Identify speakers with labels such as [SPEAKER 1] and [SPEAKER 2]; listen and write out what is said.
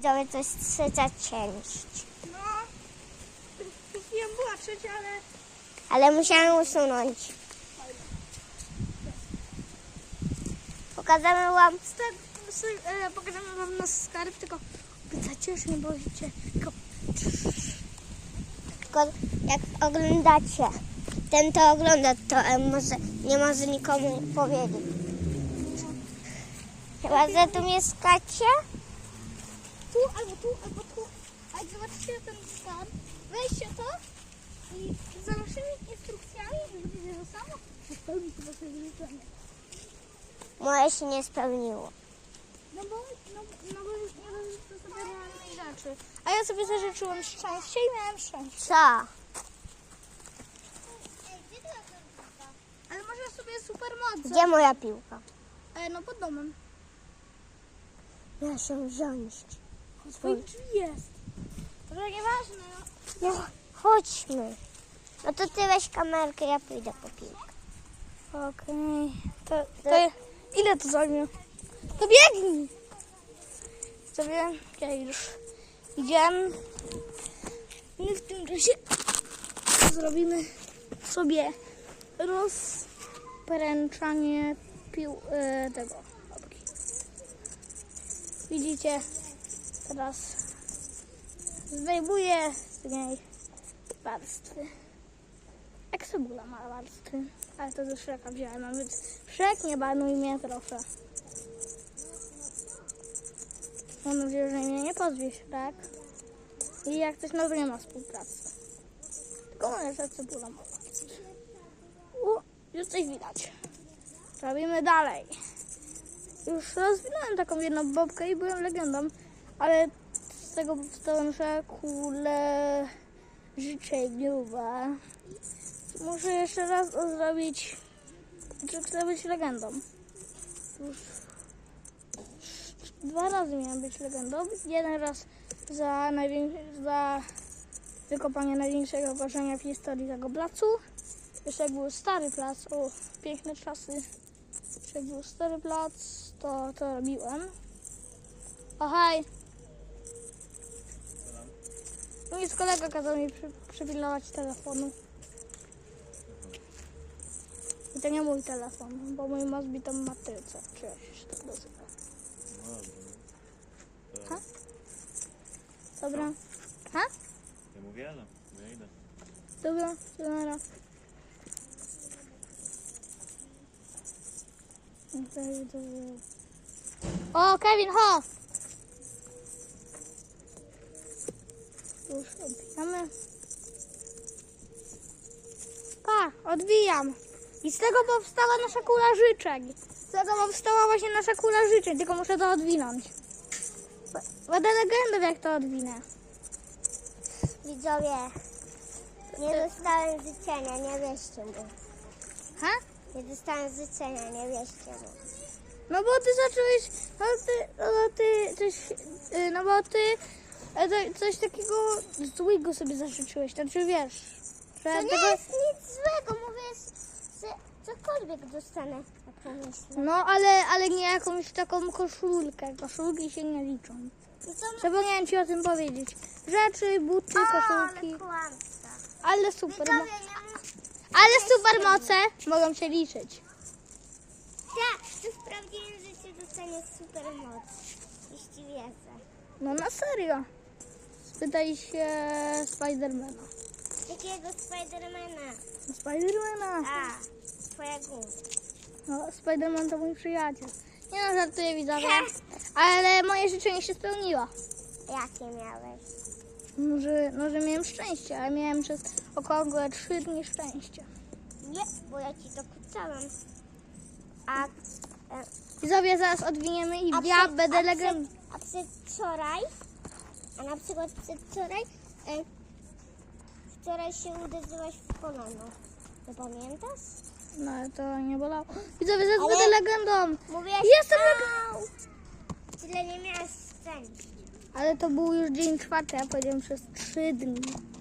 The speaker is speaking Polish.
[SPEAKER 1] Widzowie, to jest trzecia część.
[SPEAKER 2] No, nie była trzecia, ale...
[SPEAKER 1] Ale musiałem usunąć. Pokażemy wam...
[SPEAKER 2] Pokażemy wam nasz skarb, tylko pytacie, że nie boicie.
[SPEAKER 1] Tylko jak oglądacie, ten to ogląda, to nie może nikomu powiedzieć. Chyba, że tu mieszkacie?
[SPEAKER 2] Tu, albo tu, albo tu. A jak zobaczycie ten skarb, weźcie to i za naszymi instrukcjami widzicie to samo, to spełni to wasze życzenie.
[SPEAKER 1] Moje się nie spełniło.
[SPEAKER 2] No bo nie to sobie realnej rzeczy. A ja sobie zażyczyłam szczęście i miałem szczęście.
[SPEAKER 1] Co?
[SPEAKER 2] Ale można sobie super moc.
[SPEAKER 1] Gdzie moja piłka?
[SPEAKER 2] No pod domem.
[SPEAKER 1] Ja się wziąć.
[SPEAKER 2] Swoich drzwi jest. To nieważne.
[SPEAKER 1] No, chodźmy. No to ty weź kamerkę, ja pójdę po piłkę.
[SPEAKER 2] Okej. Ile to zajmie? To biegnij! Sobie, ja już idziemy. I w tym czasie zrobimy sobie rozpręczanie tego. Łapki. Widzicie, teraz zdejmuję z niej warstwy. Jak cebula ma warstwy. Ale to ze Shreka wziąłem, nawet Shrek, nie banuj mnie proszę. Mam nadzieję, że mnie nie pozwie Shrek. I jak coś nowego nie ma współpracy. Tylko moja cebula ma warstwy. Już coś widać. Robimy dalej. Już rozwinąłem taką jedną bobkę i byłem legendą, ale z tego powstałem, że kule życzeniowa. Muszę jeszcze raz zrobić, że chcę być legendą. Już 2 razy miałem być legendą. Jeden raz za wykopanie największego ważenia w historii tego placu. Jeszcze jak był stary plac, piękne czasy. Jeszcze jak był stary plac, to robiłem. O hej! Mój kolega kazał mi przypilnować telefonu. I to nie mój telefon, bo mój ma zbitą matrycę, czy jak się tak nazywa. Ha? Dobra. Ha?
[SPEAKER 3] Ja mówię, ale ja idę.
[SPEAKER 2] Dobra, dobra. O, Kevin, ho! Już odbijamy. Odbijam. I z tego powstała nasza kula życzeń. Z tego powstała właśnie nasza kula życzeń, tylko muszę to odwinąć. Będę legendą, jak to odwinę.
[SPEAKER 1] Widzowie, nie dostałem życzenia, nie wierzcie mu.
[SPEAKER 2] Ha?
[SPEAKER 1] Nie dostałem życzenia, nie wierzcie mu.
[SPEAKER 2] No bo ty zacząłeś, coś takiego złego sobie zażyczyłeś, znaczy wiesz, że
[SPEAKER 1] To nie
[SPEAKER 2] tego...
[SPEAKER 1] jest nic złego, mówię, że cokolwiek dostanę, jak pomyślę.
[SPEAKER 2] No ale nie jakąś taką koszulkę, koszulki się nie liczą.
[SPEAKER 1] I co
[SPEAKER 2] Zapomniałem ci o tym powiedzieć. Rzeczy, buty, koszulki,
[SPEAKER 1] ale kłamca.
[SPEAKER 2] ale super,
[SPEAKER 1] Widzowie, ja mu...
[SPEAKER 2] ale supermoce mogą się liczyć.
[SPEAKER 1] Tak, ty w prawdziwym życiu dostaniesz super moc, jeśli wierzę.
[SPEAKER 2] No na serio. Spytaj się Spidermana.
[SPEAKER 1] Jakiego Spidermana?
[SPEAKER 2] Spidermana.
[SPEAKER 1] A, twojego.
[SPEAKER 2] No, Spiderman to mój przyjaciel. Nie no, żartuję widzowie. Ale moje życzenie się spełniło.
[SPEAKER 1] Jakie miałeś?
[SPEAKER 2] Że miałem szczęście, ale miałem przez około 3 dni szczęścia.
[SPEAKER 1] Nie, bo ja ci dokuczałam. A
[SPEAKER 2] Widzowie, zaraz odwiniemy i ja będę legendą.
[SPEAKER 1] A przedwczoraj, a na przykład przedwczoraj, wczoraj się uderzyłaś w kolano. Nie pamiętasz?
[SPEAKER 2] No ale to nie bolało. Widzowie, zaraz
[SPEAKER 1] Ale-
[SPEAKER 2] będę legendą.
[SPEAKER 1] Mówiłaś,
[SPEAKER 2] Jestem
[SPEAKER 1] au! Tyle nie miałaś szczęścia.
[SPEAKER 2] Ale to był już dzień 4, ja powiedziałem przez 3 dni.